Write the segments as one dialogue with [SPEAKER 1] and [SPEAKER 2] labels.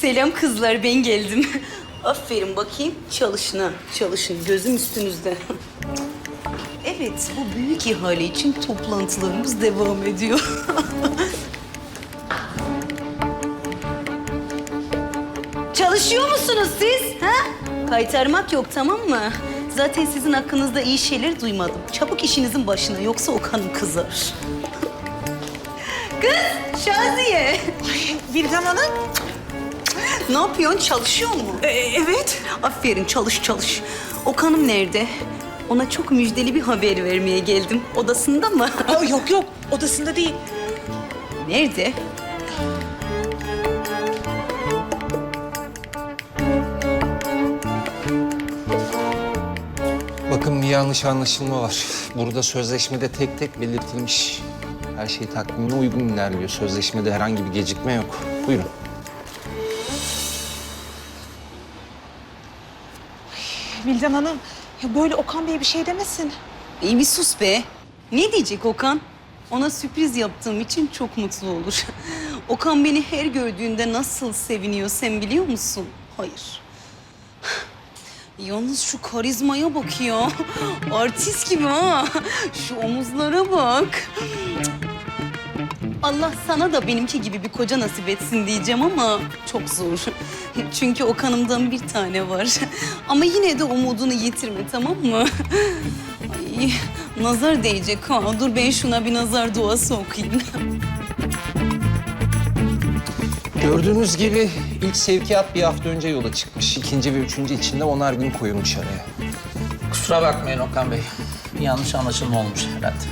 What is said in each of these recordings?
[SPEAKER 1] Selam kızlar, ben geldim. Aferin bakayım, çalışın ha, çalışın. Gözüm üstünüzde. Evet, bu büyük ihale için toplantılarımız devam ediyor. Çalışıyor musunuz siz? Ha? Kaytarmak yok, tamam mı? Zaten sizin hakkınızda iyi şeyler duymadım. Çabuk işinizin başına, yoksa Okan'ım kızar. Kız, Şaziye.
[SPEAKER 2] Vildan Hanım.
[SPEAKER 1] Ne yapıyorsun? Çalışıyor mu?
[SPEAKER 2] Evet.
[SPEAKER 1] Aferin, çalış çalış. Okan'ım nerede? Ona çok müjdeli bir haber vermeye geldim. Odasında mı?
[SPEAKER 2] Yok yok, odasında değil.
[SPEAKER 1] Nerede?
[SPEAKER 3] Bakın bir yanlış anlaşılma var. Burada sözleşmede tek tek belirtilmiş. Her şey takvimine uygun ilerliyor. Sözleşmede herhangi bir gecikme yok. Buyurun.
[SPEAKER 2] Vildan Hanım, ya böyle Okan Bey bir şey demesin.
[SPEAKER 1] İyi bir sus be. Ne diyecek Okan? Ona sürpriz yaptığım için çok mutlu olur. Okan beni her gördüğünde nasıl seviniyor sen biliyor musun? Hayır. Yalnız şu karizmaya bak ya. Artist gibi ha. Şu omuzlara bak. Allah sana da benimki gibi bir koca nasip etsin diyeceğim ama çok zor. Çünkü Okan'ımdan bir tane var. Ama yine de umudunu yitirme, tamam mı? Ay, nazar değecek ha. Dur ben şuna bir nazar duası okuyayım.
[SPEAKER 3] Gördüğünüz gibi ilk sevkiyat bir hafta önce yola çıkmış. İkinci ve üçüncü için de 10'ar gün koyulmuş araya.
[SPEAKER 4] Kusura bakmayın Okan Bey. Bir yanlış anlaşılma olmuş herhalde.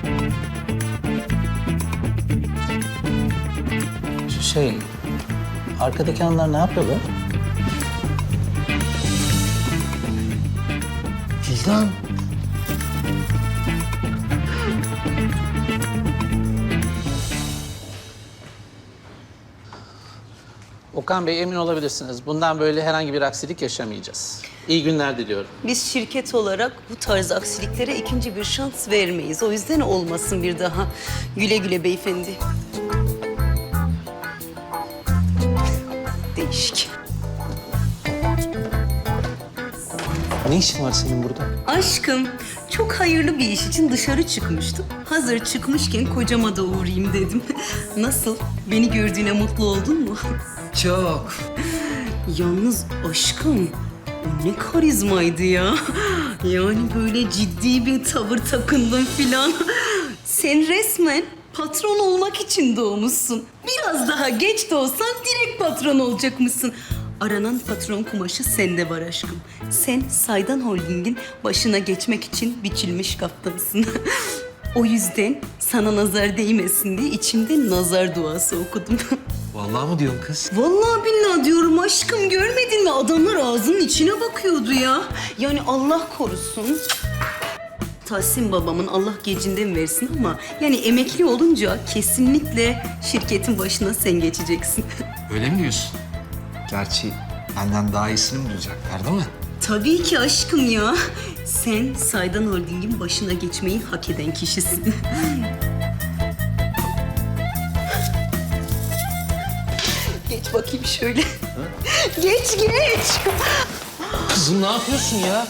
[SPEAKER 4] Arkadaki hanımlar ne yapıyorlar?
[SPEAKER 3] Vildan.
[SPEAKER 4] Okan Bey emin olabilirsiniz. Bundan böyle herhangi bir aksilik yaşamayacağız. İyi günler diliyorum.
[SPEAKER 1] Biz şirket olarak bu tarz aksiliklere ikinci bir şans vermeyiz. O yüzden olmasın bir daha. Güle güle beyefendi. Değişik.
[SPEAKER 3] Ne işin var senin burada?
[SPEAKER 1] Aşkım, çok hayırlı bir iş için dışarı çıkmıştım. Hazır çıkmışken kocama da uğrayayım dedim. Nasıl? Beni gördüğüne mutlu oldun mu?
[SPEAKER 3] Çok.
[SPEAKER 1] Yalnız aşkım, o ne karizmaydı ya. Yani böyle ciddi bir tavır takındın filan. Sen resmen patron olmak için doğmuşsun. Biraz daha geç de olsan direkt patron olacakmışsın. Aranan patron kumaşı sende var aşkım. Sen Saydan Holding'in başına geçmek için biçilmiş kaptansın. O yüzden sana nazar değmesin diye içimde nazar duası okudum.
[SPEAKER 3] Vallahi mı diyorsun kız?
[SPEAKER 1] Vallahi billahi diyorum aşkım, görmedin mi? Adamlar ağzının içine bakıyordu ya. Yani Allah korusun. Tahsin babamın Allah gecinden versin ama yani emekli olunca kesinlikle şirketin başına sen geçeceksin.
[SPEAKER 3] Öyle mi diyorsun? Gerçi benden daha iyisini bulacaklar değil mi?
[SPEAKER 1] Tabii ki aşkım ya. Sen Saydan Holding'in başına geçmeyi hak eden kişisin. Geç bakayım şöyle. Geç geç.
[SPEAKER 3] Kızım ne yapıyorsun ya?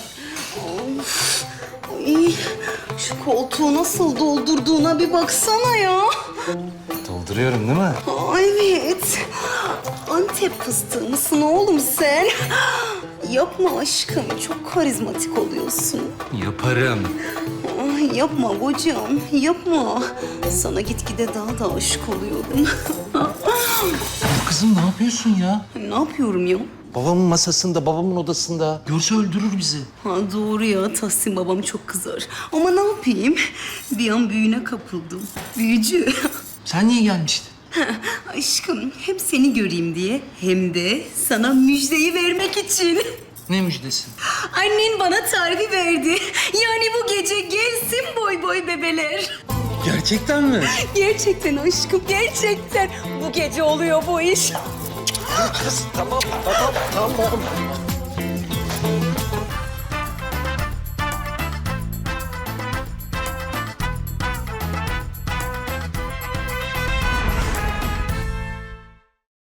[SPEAKER 1] Ay, şu koltuğu nasıl doldurduğuna bir baksana ya.
[SPEAKER 3] Dolduruyorum değil mi?
[SPEAKER 1] Aa, evet. Antep fıstığı mısın oğlum sen? Yapma aşkım, çok karizmatik oluyorsun.
[SPEAKER 3] Yaparım.
[SPEAKER 1] Ay, yapma kocam, yapma. Sana gitgide daha da aşık oluyorum.
[SPEAKER 3] Kızım ne yapıyorsun ya?
[SPEAKER 1] Ne yapıyorum ya?
[SPEAKER 3] Babamın masasında, babamın odasında. Görse öldürür bizi.
[SPEAKER 1] Ha, doğru ya, Tahsin babam çok kızar. Ama ne yapayım? Bir an büyüne kapıldım. Büyücü.
[SPEAKER 3] Sen niye gelmiştin?
[SPEAKER 1] Aşkım, hem seni göreyim diye hem de sana müjdeyi vermek için.
[SPEAKER 3] Ne müjdesi?
[SPEAKER 1] Annen bana tarifi verdi. Yani bu gece gelsin boy boy bebeler.
[SPEAKER 3] Gerçekten mi?
[SPEAKER 1] Gerçekten aşkım, gerçekten. Bu gece oluyor bu iş.
[SPEAKER 3] Kız tamam.